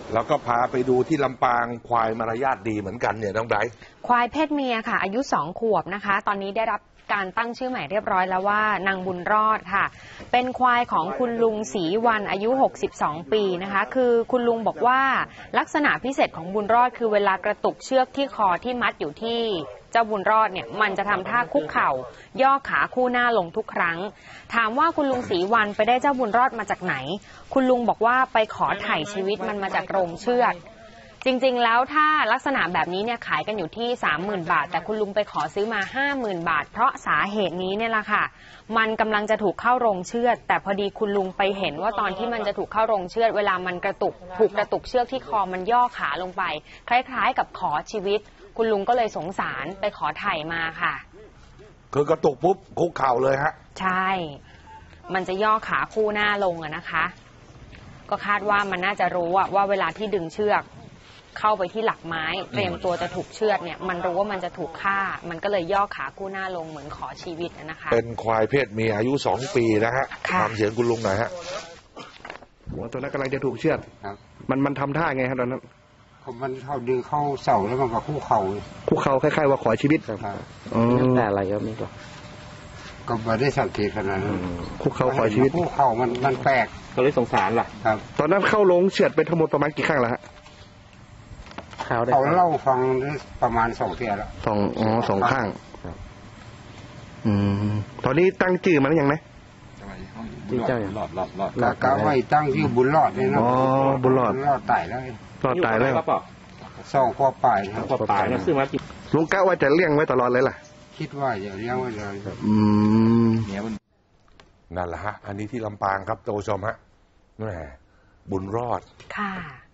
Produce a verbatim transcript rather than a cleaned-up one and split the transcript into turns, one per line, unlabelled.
แล้วก็พาไปดูที่ลำปางควายมารยาทดีเหมือนกันเนี่ยน้องไบรท์
ควายเพศเมียค่ะอายุสองขวบนะคะตอนนี้ได้รับการตั้งชื่อใหม่เรียบร้อยแล้วว่านางบุญรอดค่ะเป็นควายของคุณลุงศรีวันอายุหกสิบสองปีนะคะคือคุณลุงบอกว่าลักษณะพิเศษของบุญรอดคือเวลากระตุกเชือกที่คอที่มัดอยู่ที่เจ้าบุญรอดเนี่ยมันจะทำท่าคุกเข่าย่อขาคู่หน้าลงทุกครั้งถามว่าคุณลุงศรีวันไปได้เจ้าบุญรอดมาจากไหนคุณลุงบอกว่าไปขอถ่ายชีวิตมันมาจากโรงเชือดจริงๆแล้วถ้าลักษณะแบบนี้เนี่ยขายกันอยู่ที่ สามหมื่น บาทแต่คุณลุงไปขอซื้อมา ห้าหมื่น บาทเพราะสาเหตุนี้เนี่ยแหละค่ะมันกำลังจะถูกเข้าโรงเชือดแต่พอดีคุณลุงไปเห็นว่าตอนที่มันจะถูกเข้าโรงเชือดเวลามันกระตุกถูกกระตุกเชือกที่คอมันย่อขาลงไปคล้ายๆกับขอชีวิตคุณลุงก็เลยสงสารไปขอถ่ายมาค่ะ
คือกระตุกปุ๊บคุกเข่าเลยฮะ
ใช่มันจะย่อขาคู่หน้าลงอะนะคะก็คาดว่ามันน่าจะรู้ว่าเวลาที่ดึงเชือกเข้าไปที่หลักไม้เตรียมตัวจะถูกเชือดเนี่ยมันรู้ว่ามันจะถูกฆ่ามันก็เลยย่อขาคู่หน้าลงเหมือนขอชีวิตนะคะ
เป็นควายเพศเมียอายุสองปีนะฮะทำเสียงคุณลุงหน่อยฮะ
หัวตัวนั้นกำลังจะถูกเชือดมันมันทำท่าไงครับตอนนั้น
มันเข้าดึงเข้าเสาแล้วมันก็คู่เข่า
คู่เข่าคล้ายๆว่าขอชีวิต
ครับ
อ๋อ
แต่
อะ
ไรครับนี่ก็ก็ไม่ได้สังเกตขนาดนั้น
คู่เข่าขอชีวิต
คู่เข่ามันมันแปลก
ก็เลยสงสารล่ะครับตอนนั้นเข้าลงเชือดไปทั้งหมดประมาณกี่ครั้งแล้วฮะ
เขาเล่าฟังประมาณสองเที่ยแล้ว
สองอ๋อสองข้างอืมตอนนี้ตั้งชื่อมันยังไง
ชื่อเจ้าอย่างรอดรอดรอดกะไว้ตั้งชื่อบุญรอดเลยนะ
อ๋อบุญรอด
รอดตายแล้ว
รอดตายแล้ว
สองข้อปลาย
ข้อปลายนะซึ่งมาลุงกะว่าจะเลี้ยงไว้ตลอดเลยล่ะ
คิดว่าจะเลี้ยงไว้เลย
อืม
นั่นแหละฮะอันนี้ที่ลำปางครับท่านผู้ชมฮะแหมบุญรอด
ค่ะ